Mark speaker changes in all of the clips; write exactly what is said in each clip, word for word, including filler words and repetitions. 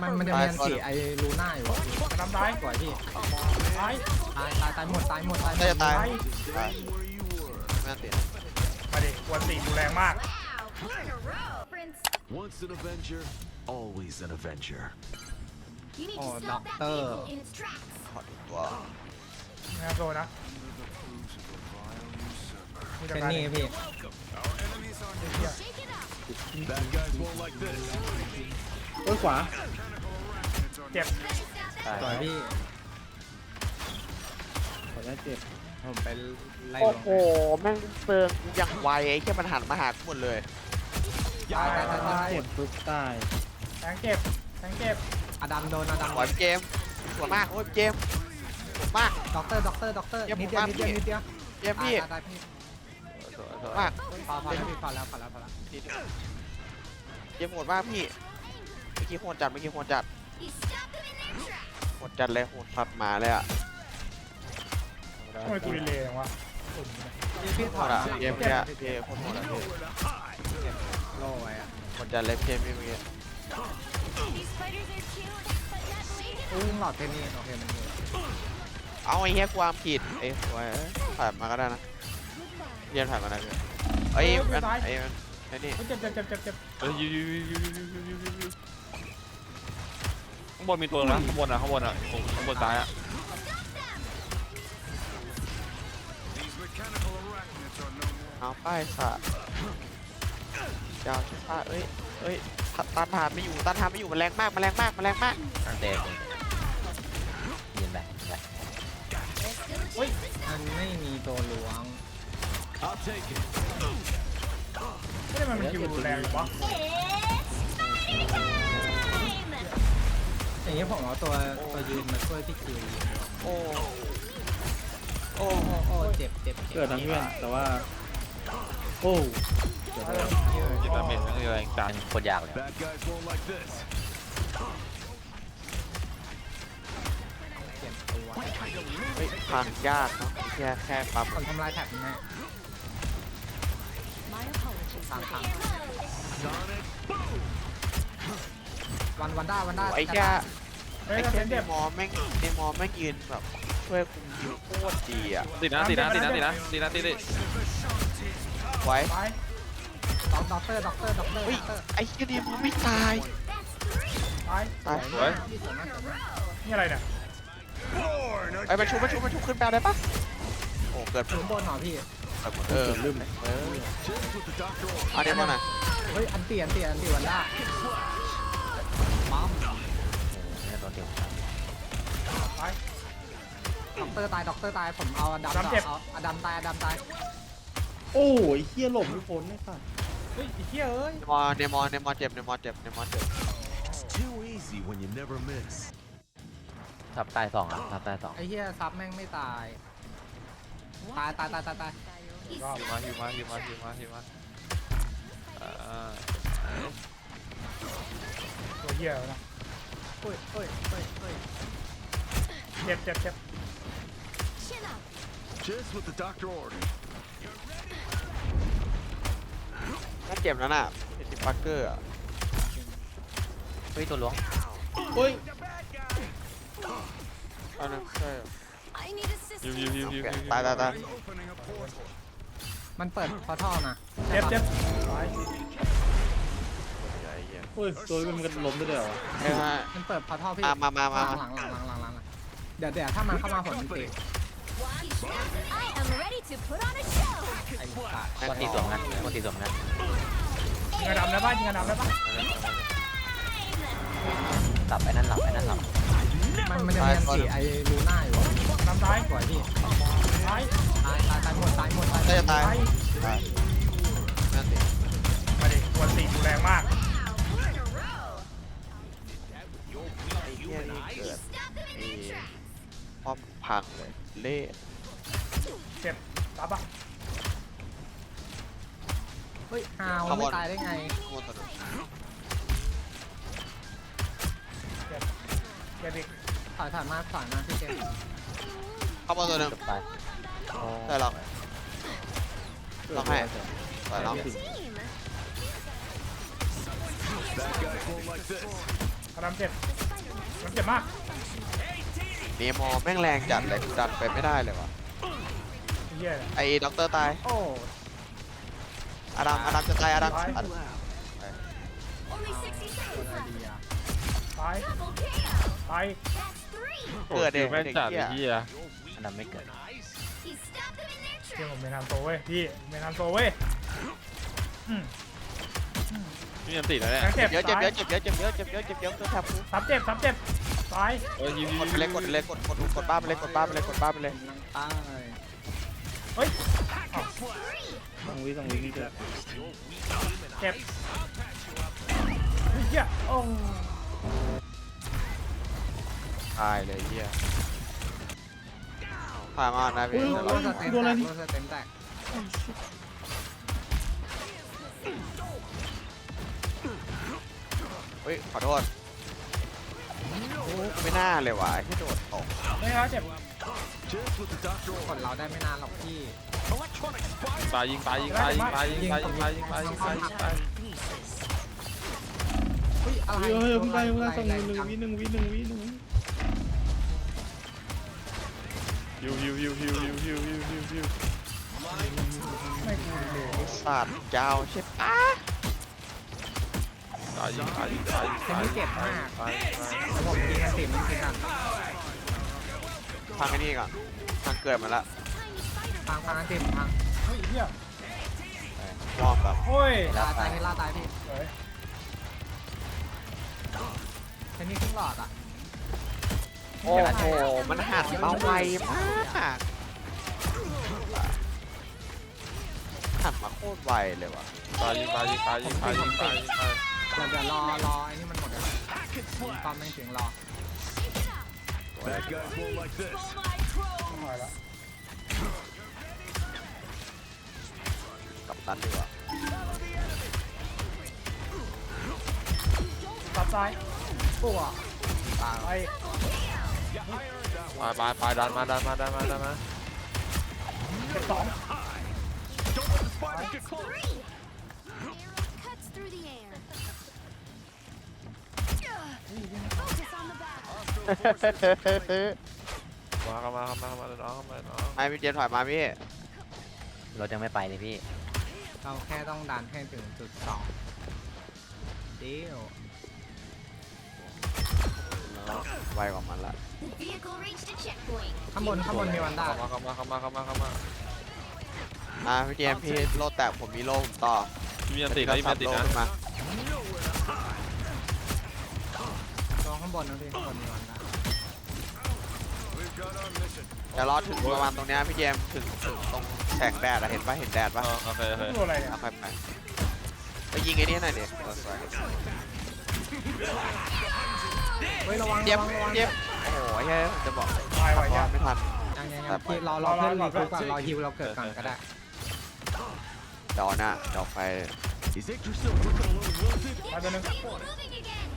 Speaker 1: มันมันจะมีอันสีไอ้ลูน่าอยู่
Speaker 2: ทำร้าย
Speaker 1: สวยพี่
Speaker 2: ตาย
Speaker 1: ตายตายตายหมดตายหมดตายหม
Speaker 3: น่า
Speaker 1: ด
Speaker 3: จะตายตายไม่น่าติด
Speaker 2: มาดิวันตีกูแรงมาก
Speaker 4: Once an Avenger, always an Avenger.
Speaker 1: โอ้ด็อกเตอร์
Speaker 3: ขอดูตัว
Speaker 2: นะโซนะมึงจะ
Speaker 1: เป็น
Speaker 2: การ
Speaker 1: นี่พี่
Speaker 4: Bad guys won't like this.
Speaker 5: โอ้ยขวา
Speaker 2: เจ็บ
Speaker 1: สวยพี่
Speaker 5: ขอได้เจ็บ
Speaker 1: ผมไปไล่
Speaker 3: โอ้
Speaker 1: ลง
Speaker 3: โหแม่งเซิร์งอย่างไวไอ้แค่มันหันมาหากูหมดเลย
Speaker 1: ตายตายตายตาย
Speaker 5: เจ็บปุ๊บตาย
Speaker 2: แทงเจ็บแทงเจ็บ
Speaker 1: อดัมโดนอดัม
Speaker 3: สวยเจมสวยมากโอ้ยเจมสวยมาก
Speaker 1: ด็อกเตอร์ด็อกเตอร์ด็อกเตอร์
Speaker 3: เยี่ยม
Speaker 1: นิดเดียว
Speaker 3: มาก
Speaker 1: นิดเดียว
Speaker 3: พี่
Speaker 1: นิดเดียว
Speaker 3: เจมพี่
Speaker 1: ตายตายพี่
Speaker 3: สวยสวยมาก
Speaker 1: พอพอแล้วพี่พอแล้วพอแล้วพอแล้ว
Speaker 3: เจมโหดมากพี่เมื่อกี้โหดจัดเมื่อกี้โหดจัดโหดจัดเลยโหดสัตว์หมาเลยอ่ะ
Speaker 2: ทำไมกูดีเลยอย่างวะ
Speaker 1: พี่พี่
Speaker 3: โห
Speaker 1: ถอ
Speaker 3: ด
Speaker 1: ด
Speaker 3: อ่ะเจมเนี่ยเจมโคตรโหดอ่ะพี่
Speaker 1: โล่ไว้อะ
Speaker 3: โหดจัดเลยเจมพี่เมื่อกี้
Speaker 1: อุ้ยหลอดเพนนี่โอเคมันอยู่
Speaker 3: เอาไอ้เหี้ยความผิดไอ้หัวผ่านมาก็ได้นะเรียนผ่านมาได้เลยไอ้มันไอ้มันไอ้นี่
Speaker 2: เจ็บเจ็บเจ็บเจ็บเจ็บ
Speaker 6: เอ้ยยูยูยูยูยูยูยูยูยูข้างบนมีตัวนะข้างบนอ่ะข้างบนอ่ะโอ้ข้างบนซ้ายอ่ะ
Speaker 3: เอาป้ายสะเจ้าชิฟ้าเอ้ยเอ้ยตันทานไม่อยู่ตันทานไม่อยู่มันแรงมากมันแรงมากมันแรงมาก
Speaker 7: เด็กยืนไปไป
Speaker 1: มันไม่มีตัวล้วง
Speaker 4: I'll take it.
Speaker 2: ไม่ได้มันมันคิวแรงหรอวะ
Speaker 1: อย่างนี้ผมเอาตัวตัวยืนมาช่วยพี่คิวยิง
Speaker 3: โอ้โอ้
Speaker 1: โอ้โอ้เจ็บเจ็บเจ็บ
Speaker 5: เกิดทั้งเพื่อนแต่ว่า โอ้เกิดอะไร
Speaker 6: จิตดาเมจนั่นคืออะไรจัง
Speaker 7: โคตรยากเลย
Speaker 4: Bad guys won't like this.
Speaker 1: เจ็บตัว
Speaker 3: เฮ้ยพังยากเนาะแค่แค่ปั๊ม
Speaker 1: คนทำลายแท็บนะทางทางวันวันด้าวันด้า
Speaker 3: ไอ้แค่
Speaker 2: เฮ้ย
Speaker 3: ไอ้
Speaker 2: กระ
Speaker 3: แค่
Speaker 2: เซ็น
Speaker 3: ใน
Speaker 2: เจ็บ
Speaker 3: มอแม่งในมอแม่งยืนแบบช่วยคุมยิวโคตรดีอ่ะ
Speaker 6: ติดนะติดนะติดนะติดนะติดนะติดดิ
Speaker 3: ไว้
Speaker 2: ตาย
Speaker 1: ด็อกด็อกเตอร์ด็อกเตอร์ด็อกเตอร์
Speaker 3: เฮ้ย
Speaker 1: ด็อกเตอร์
Speaker 3: ไอ้แค่ในมอไม่ตาย
Speaker 2: ตาย
Speaker 3: ตาย
Speaker 6: สวย
Speaker 1: พี่สวยมากสวยมาก
Speaker 2: นี่อะไรเนี่ย
Speaker 3: ไอ้มาชุบมาชุบมาชุบขึ้นแปลได้ปะโอ้เกิด
Speaker 1: ถึงบนหน่อพี่
Speaker 3: เออลืมเออ
Speaker 4: Cheers with the doctor.
Speaker 3: อันนี้มาหน่อย
Speaker 1: เฮ้ยอันเตียนเตียนอันเตียนวันด้าปั๊ม
Speaker 7: เนี่ยตัวเดียว
Speaker 2: ตาย
Speaker 1: ด็อกเตอร์ตายด็อกเตอร์ตายผมเอาอดัม
Speaker 2: อดัมเจ็บ
Speaker 1: เอาอดัมตายอดัมตาย
Speaker 5: โอ้ยเฮียหลบไม่พ้นไอ้สัส
Speaker 2: เฮ้ยไอ้เหี้ยเอ้ย
Speaker 3: ในมอในมอในมอเจ็บในมอเจ็บในมอเจ็บ
Speaker 4: It's too easy when you never miss.
Speaker 7: ทับตายสองอ่ะทับตายสอง
Speaker 1: ไอ้เหี้ยซับแม่งไม่ตายตายตายตายตายตาย
Speaker 6: ฮิวมาฮิวมาฮิวมาฮิวมาฮิวมาอ่า
Speaker 2: ตัวเหี้ยนะ
Speaker 1: เฮ้ยเฮ้ยเฮ้ยเฮ้ย
Speaker 2: เจ็บเจ็บเจ็บ
Speaker 4: Just what the doctor ordered.
Speaker 3: น่าเจ็บแล้วน่ะเป็นดิปักเกอร์อ่ะ
Speaker 7: เฮ้ยตัวล้วง
Speaker 5: เฮ้ย
Speaker 3: อันนั้นใช่
Speaker 6: ฮิวฮิวฮิวฮิวฮิว
Speaker 3: ตายตายตาย
Speaker 1: มันเปิดพอท่อมา
Speaker 2: เจ็บเจ็บตาย
Speaker 3: ใหญ่เหี้ย
Speaker 5: โอ้ยตัวมันก็ล้มได้ด้วยเหรอวะ
Speaker 3: เอ้ยมา
Speaker 1: มันเปิดพอท่อพี่
Speaker 3: มามามามา
Speaker 1: หลังหลังหลังหลังหลังหลังเดี๋ยวเดี๋ยวถ้ามันเข้ามาผมมันตี
Speaker 8: I am ready to put on a show.
Speaker 1: ไอ้สัตว์
Speaker 7: คนตีสวมกันคนตีสวมกัน
Speaker 2: ยิงกระดำได้ปะยิงกระดำได้ปะ
Speaker 7: หลับไอ้นั่นหลับไอ้นั่นหลับ
Speaker 1: มันมันจะมีอันสีไอ้ลูน่าอยู่
Speaker 2: น้ำตาย
Speaker 1: สวยพี่
Speaker 2: ตาย
Speaker 1: ตายตายตายหมดตายหมดตาย
Speaker 3: น่าจะตาย
Speaker 2: ตาย
Speaker 3: ตายนั่นดิ
Speaker 2: มาดิวันตีกูแรงมาก
Speaker 3: ไอ้เหี้ยนี่เกิดไอ้ป้อมพังเลยเละ
Speaker 2: เจ็บตายปะ
Speaker 1: เฮ้ยฮาวไม่ตายได้ไง
Speaker 3: โคตรสนุก
Speaker 2: เจ็บเจ็บอีก
Speaker 1: ถอยถอยมาถอยมาพี่เจมส์
Speaker 3: เข้ามาตัวหนึ่ง
Speaker 7: จบตาย
Speaker 3: ใช่หรอกลองให้ใส่ลอง
Speaker 4: Bad guys won't like this.
Speaker 2: พลังเจ็บมันเจ็บมาก
Speaker 3: เนมอแม่งแรงจัดเลยกูดันไปไม่ได้เลยวะ
Speaker 2: ไอ้เหี้ยเนี่ย
Speaker 3: ไอ้ด็อกเตอร์ตาย
Speaker 1: โอ้
Speaker 3: อาดัมอาดัมจะตายอาดัมอาดัม
Speaker 8: Only sixty
Speaker 1: ตัว
Speaker 8: seconds
Speaker 1: อะไร
Speaker 8: left.
Speaker 1: ดีอ่ะ
Speaker 2: ตาย
Speaker 8: Double kill.
Speaker 2: ตาย
Speaker 8: That's three.
Speaker 6: โอ้ยคิวแม่งจัดไอ้เหี้ย
Speaker 7: อันนั้นไม่เกิด
Speaker 8: He stopped them in their
Speaker 2: เที่ย
Speaker 8: tracks.
Speaker 2: ผมเป็นทางโตเว้ยพี่เป็นทางโตเว้ยอืม
Speaker 6: พี่ยันติดแล้วเนี่ย
Speaker 2: แข็งเจ็บ
Speaker 3: เยอะเจ็บ
Speaker 2: ตาย
Speaker 3: เยอะเจ็บเยอะเจ็บเยอะเจ็บเยอะเจ็บเยอะตัวแทบกู
Speaker 2: ซับเจ็บซับเจ็บตาย
Speaker 6: เออยิวยิว
Speaker 3: กดไปเลยกดไปเลยกดกดกดบ้าไปเลยกดบ้าไปเลยกดบ้าไปเลย
Speaker 1: ตาย
Speaker 2: เฮ้ย
Speaker 5: สองวิสองวินี่เกิด
Speaker 2: เจ็บเฮ้ยเหี้ยโอ้
Speaker 3: ตายเลยเหี้ยผ่านมานะพี่
Speaker 1: โดนสเต็มแตกโดนสเต็มแตก
Speaker 3: เฮ้ยขอโทษไม่น่าเลยว่ะที่โดดตก
Speaker 2: ไม่ครับเจ็บ
Speaker 4: Just what the doctor
Speaker 1: กด
Speaker 4: ordered.
Speaker 1: เราได้ไม่นานหรอกพี่
Speaker 4: Electronic spy.
Speaker 6: ตายยิงตายยิงตายยิงตายยิงตายยิงตายยิงตายยิงตายยิงตาย
Speaker 1: เฮ้ยอะไร
Speaker 5: เฮ้ยเฮ้ยเพิ่งได้เพิ่งได้สอง
Speaker 1: แร
Speaker 5: หนึ่ง
Speaker 1: จั
Speaker 5: วิหนึ่งวิหนึ่งวิหนึ่งวิ
Speaker 6: ยิวยิวยิวยิวยิวยิวยิวยิวยิว
Speaker 2: ไม่กูเลย
Speaker 3: สัตว์ยาวใช่ปะ
Speaker 6: ตายยิงตายยิงตายยิง
Speaker 1: เต็ม
Speaker 6: ตาย
Speaker 1: ที่เจ็บมาก
Speaker 6: ตาย
Speaker 1: แล้วผมยิงกันติดมันติดกัน
Speaker 3: พังไอ้นี่ก่อนพังเกิดมาละ
Speaker 1: พังพังกันติดพัง
Speaker 2: เฮ้ยเหี้ยว
Speaker 3: อร์มแบบ
Speaker 2: โอ้ย
Speaker 1: ลาตายนี่ลาตายพี่
Speaker 2: เฮ้ย
Speaker 1: แค่นี้ครึ่งหลอดอ่ะ
Speaker 3: โอ้โหมันหันมาไวมากหันมาโคตรไวเลยว่ะ
Speaker 6: ตายยิงตายยิงตายยิงตายยิงตายยิงตาย
Speaker 1: เดี๋ยวเดี๋ยวรอรอไอ้นี่มันหมดเลยความไม่ถึงรอ
Speaker 4: Bad guys won't like this.
Speaker 2: หายละ
Speaker 3: กับตันดีกว่า
Speaker 2: ตัดซ้าย
Speaker 1: ปุ๊บตาย
Speaker 2: ไป
Speaker 6: ไปไปไปดันมาดันมาดันมาดันมา
Speaker 2: เจ็บสอง
Speaker 4: Don't let the spiders get close.
Speaker 8: Arrow cuts through the air. Focus on the battle.
Speaker 6: มาเข้ามาเข้ามาเข้ามาน้องเข้ามาน้อง
Speaker 3: ไอ้พี่เจมส์ถอยมาพี่
Speaker 7: รถยังไม่ไปเลยพี่
Speaker 1: เราแค่ต้องดันให้ถึงจุดสองเดียว
Speaker 3: ไวกว่ามันละ
Speaker 8: The vehicle reached a checkpoint.
Speaker 1: ข้างบนข้างบนมีวันด้า
Speaker 6: เข้ามาเข้ามาเข้ามาเข้ามาเข้ามา
Speaker 3: อ่ะพี่เจมส์พี่โลแตกผมมีโลผมต่อ
Speaker 6: พี่ยันติดนะพี่ยันติด
Speaker 3: โล
Speaker 6: นะ
Speaker 3: ขึ้นมา
Speaker 1: ลองข้างบนนะพี่ข้างบนมีวันด้า
Speaker 4: We've got our mission.
Speaker 3: เดี๋ยวรอถึงประมาณตรงเนี้ยพี่เจมส์ถึงถึงตรงแสงแดดอะเห็นปะเห็นแดด
Speaker 6: เอ
Speaker 3: ปะ
Speaker 6: อโอเคโอเค
Speaker 2: ตัวอะไรเนี่ย
Speaker 3: เอาไปไปไปยิงไอ้นี่หน่อยดิเออสวย
Speaker 1: เฮ้ยระวัง
Speaker 3: เจ
Speaker 1: ระ
Speaker 3: ม
Speaker 1: วั
Speaker 3: ส์
Speaker 1: งระวัง
Speaker 3: เจมส์โอ้โหไอ้เฮ้ยผมจะบอก
Speaker 2: ตายไหว
Speaker 3: ว่า
Speaker 2: ยัง
Speaker 3: ไม่ทัน
Speaker 1: ยังยังยังพี่รอรอเพื่อนรีคูปก่อนรอฮิวเราเกิดก่อนก็ได้
Speaker 3: เดี๋ยวนะเดี๋ยวไป
Speaker 4: Is Yggdrasil looking a little wilted?
Speaker 2: ไปตัวหนึง
Speaker 8: Vehicle moving again.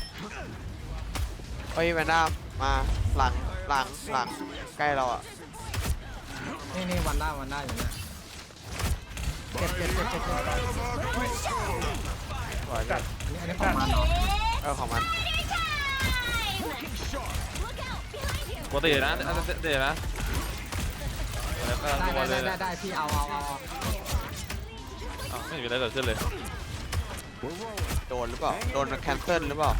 Speaker 3: เฮ้ยแวนด้ามาหลังหลังหลังใกล้เราอะ
Speaker 1: นี่นี่วันด้าวันด้าอยู่นะเจ็บเจ็บเจ็บเจ็บเจ็บ
Speaker 3: สวย
Speaker 2: จัด
Speaker 1: นี่อันนี้ของมันเนาะ
Speaker 3: เออของมัน
Speaker 8: Look out behind you.
Speaker 6: ปกตินะเดี๋ยวนะแล้วก็
Speaker 1: ได้
Speaker 6: ตัว
Speaker 1: ได้
Speaker 6: เลย
Speaker 1: ได้ได้พี่เอาเอาเอา
Speaker 6: ไม่มีอะไรเกิดขึ้นเลย
Speaker 3: โดนหรือเปล่าโดนแคนเซิลหรือเปล่า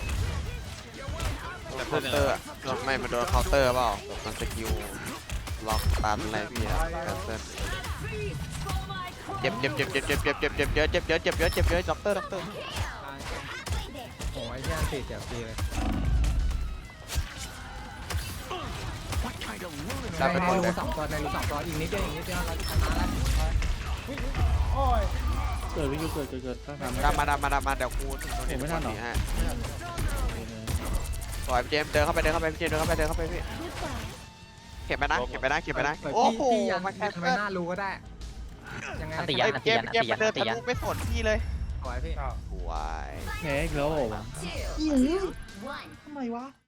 Speaker 3: โดนเคาน์เตอร์อะไม่มันโดนเคาน์เตอร์เปล่าแบบมันสกิลล็อกตันอะไรพี่อะแคนเซิลเจ็บเจ็บเจ็บเจ็บเจ็บเจ็บเจ็บเจ็บเยอะเจ็บเยอะเจ็บเยอะเจ็บเยอะด็อกเตอร์ด็อกเตอร์
Speaker 1: โอ้ยเชี่ยอันติเจ็บฟรีเลย
Speaker 4: What kind of lunatic?
Speaker 3: ได้ไป
Speaker 1: ใน
Speaker 3: หมด
Speaker 1: รู
Speaker 3: เลย
Speaker 1: สองตัวในรูสองตัวอีกนิดเดียวอีกนิดเดียวเราชนะแล้ว
Speaker 2: โอ้ย
Speaker 5: เกิดวิคิวเกิดเกิดเกิดถ้าทำไม่
Speaker 3: ดำมาดำมาดำมาเดี๋ยวกูถึงตรงนี้
Speaker 5: ไม่ทันหรอ
Speaker 3: ฮะปล่อยพี่เจมส์เดินเข้าไปเดินเข้าไปพี่เจมส์เดินเข้าไปเดินเข้าไปพี่เข็บไปนะเข็บไปนะเข็บไปนะ
Speaker 1: เปิด
Speaker 3: โอ้
Speaker 1: พี่
Speaker 3: โห
Speaker 1: พี่ยัน
Speaker 3: มาแคน
Speaker 1: ไม่
Speaker 3: เซิล
Speaker 1: น่ารู้ก็ได้ยังไง
Speaker 7: อันติ
Speaker 3: ไอ้
Speaker 7: ยั
Speaker 3: เจมส์เจมส์มันเดินทะลุไม่สนพี่เลย
Speaker 1: สวยพี่
Speaker 2: อ้าว
Speaker 3: สวย
Speaker 5: แพ้อีกแล้วเหรอวะ
Speaker 8: Two, two, one.
Speaker 5: ทำไมวะ